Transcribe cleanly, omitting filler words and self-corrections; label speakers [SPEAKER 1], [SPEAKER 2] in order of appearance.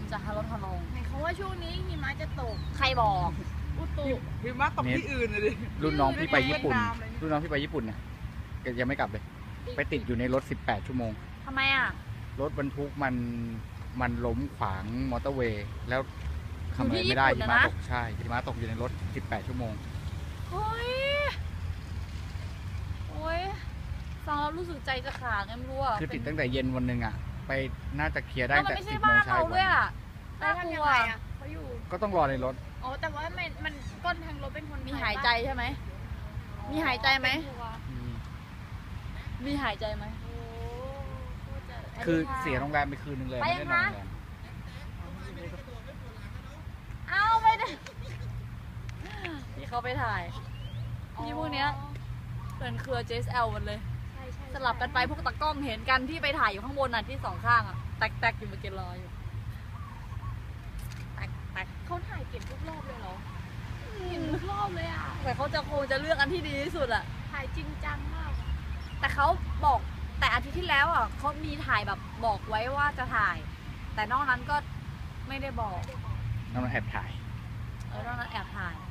[SPEAKER 1] จะลดลง
[SPEAKER 2] เห็นเขาว่าช่วงนี้หิมะจะตก
[SPEAKER 1] ใครบอก
[SPEAKER 2] อุตุ
[SPEAKER 3] หิมะตกที่อื่นเลยดิ
[SPEAKER 4] รุ่นน้องพี่ไปญี่ปุ่นนะยังไม่กลับเลยไปติดอยู่ในรถ18 ชั่วโมง
[SPEAKER 1] ทำไมอ่ะ
[SPEAKER 4] รถบรรทุกมันล้มขวางมอเตอร์เวย์แล้วทำอะไรไม่ได้หิมะตกใช่หิมะตกอยู่ในรถ18 ชั่วโมง
[SPEAKER 1] โอ้ยฟังแล้วรู้สึกใจจะขาดไงไม่รู้อ่ะ
[SPEAKER 4] คือติดตั้งแต่เย็นวันหนึ่งอ่ะไปน่าจะเคลียร์ได้แต่
[SPEAKER 1] 10 โมงเช้าด้วยอ่ะ
[SPEAKER 2] น่ากลัวเขาอยู่
[SPEAKER 4] ก็ต้องรอในรถ
[SPEAKER 2] อ๋อแต่ว่ามันก้นทางรถเป็นคน
[SPEAKER 1] มีหายใจใช่ไหมมีหายใจไหมมีหายใจไหม
[SPEAKER 4] คือเสียโรงแรมไปคืนนึงเลยไม่ได้นอนโรงแรม
[SPEAKER 1] เอาไม่ได้ที่เขาไปถ่ายที่พวกเนี้ยเป็นเครือ JSL มันเลยสลับกันไปพวกตากล้องเห็นกันที่ไปถ่ายอยู่ข้างบนน่ะที่2 ข้างอ่ะแตกอยู่เมื่อกี้รออยู่แตก
[SPEAKER 2] เขาถ่ายเก็บทุกรอบเลยเหรอเห็นทุกรอบเลยอ่ะ
[SPEAKER 1] แต่เขาคงจะเลือกอันที่ดีที่สุดอ่ะ
[SPEAKER 2] ถ่ายจริงจังมาก
[SPEAKER 1] แต่เขาบอกแต่อาทิตย์ที่แล้วอ่ะเขามีถ่ายแบบบอกไว้ว่าจะถ่าย แต่นอกนั้นก็ไม่ได้บอก
[SPEAKER 4] นอกนั้นแอบถ่าย
[SPEAKER 1] นอกนั้นแอบถ่าย